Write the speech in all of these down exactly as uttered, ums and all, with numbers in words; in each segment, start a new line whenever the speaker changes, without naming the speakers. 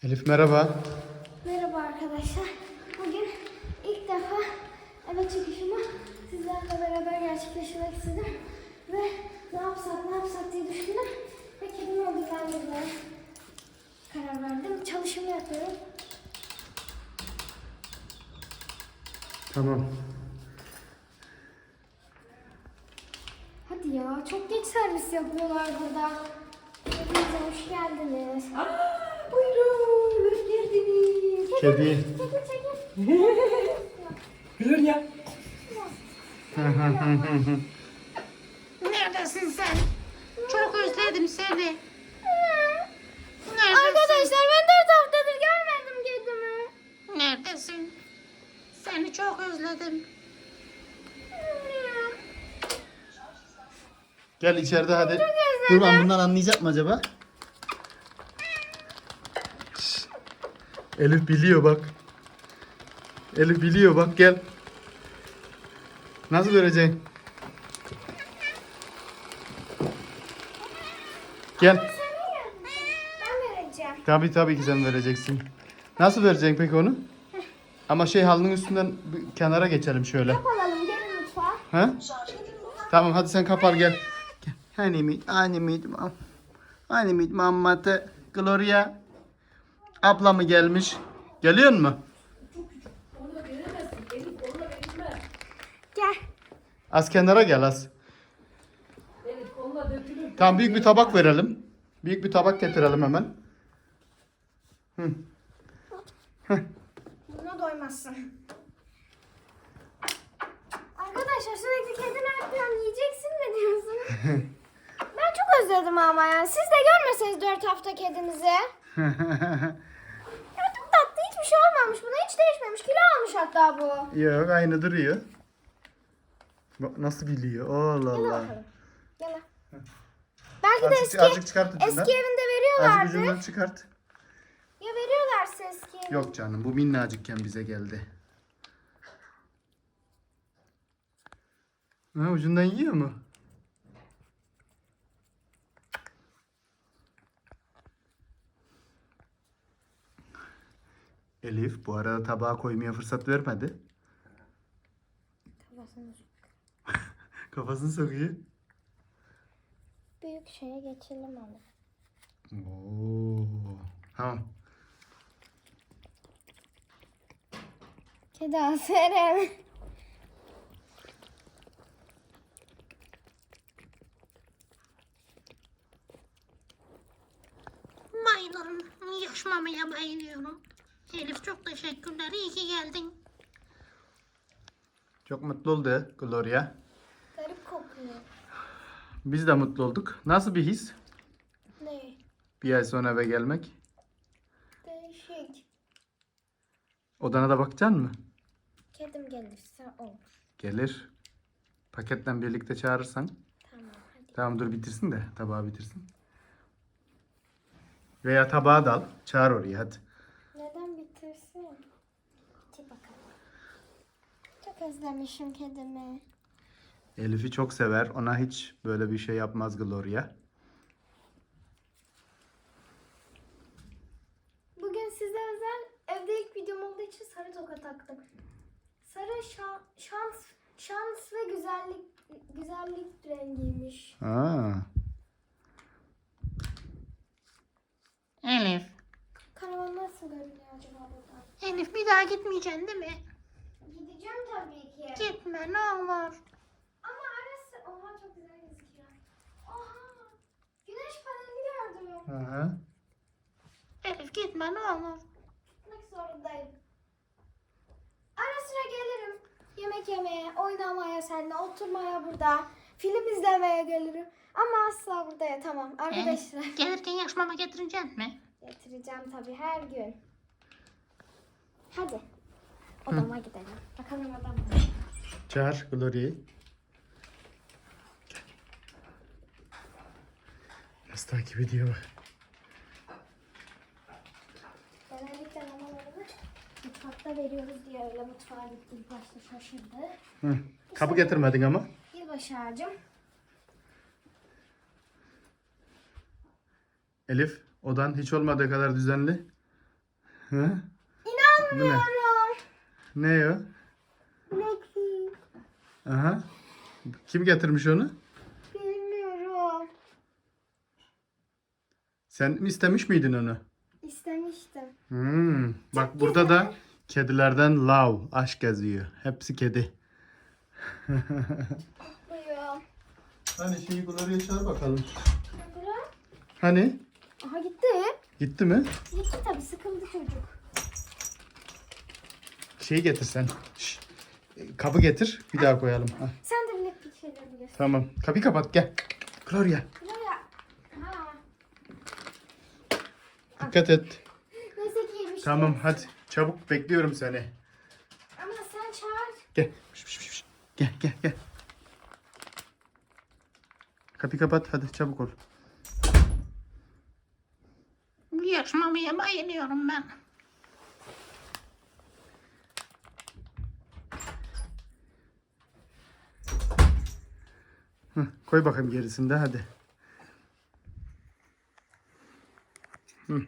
Elif merhaba.
Merhaba arkadaşlar. Bugün ilk defa eve çıkışımı sizlerle beraber gerçekleştirmek istedim. Ve ne yapsak ne yapsak diye düşündüm. Ve kedimi ödüllendirmeye karar verdim. Çalışımı yapıyorum.
Tamam.
Hadi ya, çok geç servis yapıyorlar burada. Hepinize hoş geldiniz.
Aa, buyurun, hoş geldiniz.
Kedi.
Çekil çekil.
Gülür ya.
Neredesin sen? Çok özledim seni. Neredesin?
Arkadaşlar ben dört haftadır görmedim kedimi.
Neredesin? Seni çok özledim.
Gel içeride hadi. Dur ben bundan anlayacak mı acaba? Şşş. Elif biliyor bak. Elif biliyor bak gel. Nasıl vereceksin? Gel.
Ben vereceğim.
Tabii tabii ki sen vereceksin. Nasıl vereceksin peki onu? Ama şey halının üstünden bir kenara geçelim şöyle.
Alalım gelin mutfağa.
Ha? Tamam hadi sen kapar gel. Gel. Hani mi? Hani mi? Hani mi? Mammatı Gloria abla mı gelmiş? Geliyor mu?
Gel.
Az kenara gel az.
Evet, kolla dökülür.
Tamam büyük bir tabak verelim. Büyük bir tabak getirelim hemen. Hı.
Buna doymazsın. Arkadaşlar sürekli kedi ne yapıyorsun? Yiyeceksin mi diyorsun? Ben çok özledim ama ya. Siz de görmeseniz dört hafta kedinizi. Ya çok tatlı, hiçbir şey olmamış. Buna hiç değişmemiş. Kilo almış hatta bu.
Yok aynı duruyor. Bak nasıl biliyor. Allah
Gel
Allah.
bakalım. Gel. Belki de
Azıcık,
eski,
azıcık çıkart ucundan.
eski evinde
Azıcık
veriyorlardı.
ucundan çıkart.
Ya veriyorlarsa eski evinde.
Yok canım bu minnacıkken bize geldi. Ha, ucundan yiyor mu? Elif bu arada tabağa koymaya fırsat vermedi.
Kafasını
Kafasını sokuyor.
büyük şeye geçelim onu.
Oo. Tamam.
Kedi aferin.
Bayılırım. Yaşmamaya bayılıyorum. Elif çok teşekkürler. İyi ki geldin.
Çok mutlu oldu Gloria.
Garip kokuyor.
Biz de mutlu olduk. Nasıl bir his?
Ne?
Bir ay sonra eve gelmek.
Değişik.
Odana da bakacaksın mı?
Kedim gelirse olur.
Gelir. Paketle birlikte çağırırsan.
Tamam hadi.
Tamam dur bitirsin de tabağı bitirsin. Veya tabağı da al. Çağır oraya hadi.
Neden bitirsin? Hadi bakalım. Çok özlemişim kedimi.
Elif'i çok sever. Ona hiç böyle bir şey yapmaz Gloria.
Bugün size özel evde ilk videom olduğu için sarı toka taktım. Sarı şan, şans, şans ve güzellik güzellik rengiymiş.
Aa.
Elif.
Karavan nasıl görünüyor acaba buradan?
Elif bir daha gitmeyeceksin değil mi?
Gideceğim tabii ki.
Gitme ne olur.
Ama arası... Oha çok güzel gözüküyor. Oha! Güneş paneli gördüm.
Hı hı.
Elif gitme ne olur.
Gitmek zorundayım. Ara sıra gelirim. Yemek yemeye, oynamaya seninle, oturmaya burada. Film izlemeye gelirim. Ama asla burada yatamam. Arkadaşlar
Elif, gelirken yaşmama getireceksin mi?
getireceğim tabii her gün. Hadi. Odama gidelim. Bakalım odam.
Çağır Gloria'yı. Nasıl takip ediyor bak.
Genellikle mamalarını mutfakta veriyoruz diye öyle mutfağa gitti. İlk başta şaşırdı.
Hı. Kapı getirmedin ama.
Yılbaşı ağacım.
Elif, odan hiç olmadığı kadar düzenli. Hı? Bu ne?
İnanmıyorum.
Ne o?
Blackpink.
Aha. Kim getirmiş onu?
Bilmiyorum.
Sen mi istemiş miydin onu?
İstemiştim.
Hmm. Bak burada da kedilerden love, aşk yazıyor. Hepsi kedi.
Buyur.
Hani şeyi Gloria'ya çağır bakalım.
Bırak.
Hani?
Aha gitti.
Gitti mi?
Gitti tabii, sıkıldı çocuk.
Şeyi getir sen. Şş. Kabı getir. Bir daha koyalım. Hah.
Sen de Blackpink şeyleri biliyorsun.
Tamam. Kapıyı kapat gel. Gloria.
Buraya. Ha.
Dikkat et.
Neyse ki yemiş.
Tamam hadi. Çabuk bekliyorum seni.
Ama sen çağır.
Gel. Şş, şş, şş. Gel gel gel. Kapıyı kapat hadi çabuk ol.
Yarışmamaya bayılıyorum ben.
Hı, koy bakayım gerisinde hadi. Hı.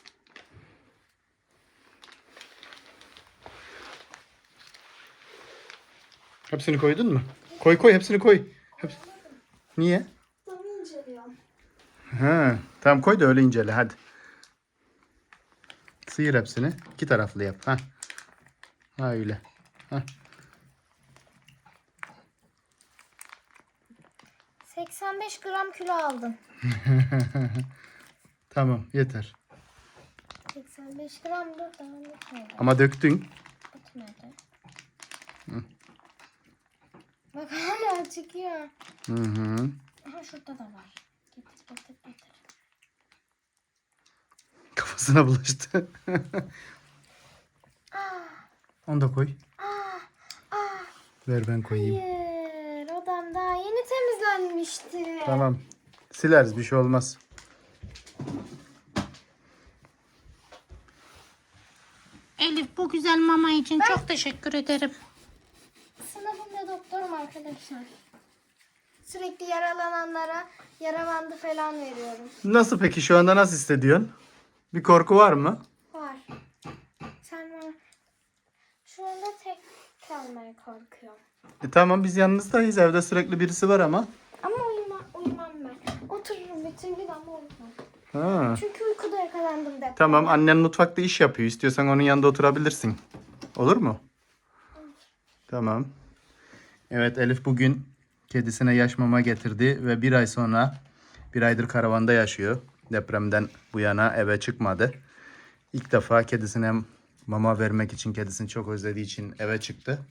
Hepsini koydun mu? Koy koy hepsini koy. Hep... Niye?
Damı inceliyorum.
Ha, tamam koy da öyle incele hadi. Sıyır hepsini. İki taraflı yap. Ha. Ha öyle. Ha.
seksen beş gram kilo aldım.
Tamam yeter.
seksen beş gram dur, daha bitmedi.
Ama döktün.
Bitmedi. Bak hala çıkıyor.
Hı hı.
Aha şurada da var. Getir getir getir.
Kafasına bulaştı. Onu da koy. Ver ben koyayım.
Hayır, odam daha yeni temizlenmişti.
Tamam. Sileriz bir şey olmaz.
Elif bu güzel mama için çok teşekkür ederim.
Sınıfımda doktorum arkadaşlar. Sürekli yaralananlara yara bandı falan veriyorum.
Nasıl peki şu anda nasıl hissediyorsun? Bir korku var mı?
Var. Sen var. Şu anda tek kalmaya korkuyorum.
E tamam biz yalnızdayız. Evde sürekli birisi var ama.
Ama uyuma, uyumam ben. Otururum bütün gün ama uyumam.
Ha.
Çünkü uykuda yakalandım depremde.
Tamam annen mutfakta iş yapıyor. İstiyorsan onun yanında oturabilirsin. Olur mu? Tamam. Evet Elif bugün kedisine yaş mama getirdi ve bir ay sonra bir aydır karavanda yaşıyor. Depremden bu yana eve çıkmadı. İlk defa kedisine mama vermek için, kedisini çok özlediği için eve çıktı.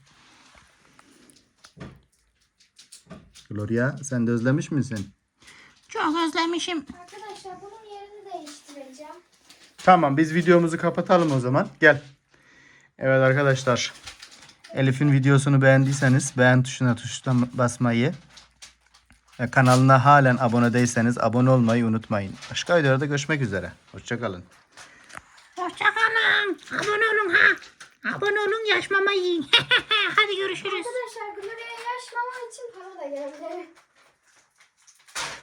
Gloria sen de özlemiş misin?
Çok özlemişim.
Arkadaşlar bunun yerini değiştireceğim.
Tamam biz videomuzu kapatalım o zaman. Gel. Evet arkadaşlar. Elif'in videosunu beğendiyseniz beğen tuşuna tuştan basmayı ve kanalına halen abone değilseniz abone olmayı unutmayın. Başka videolarda görüşmek üzere. Hoşçakalın.
Hoşçakalın. Abone olun ha. Abone olun yaş mama yiyin. Hadi görüşürüz.
Arkadaşlar Gloria'ya yaş mama için para da geldi.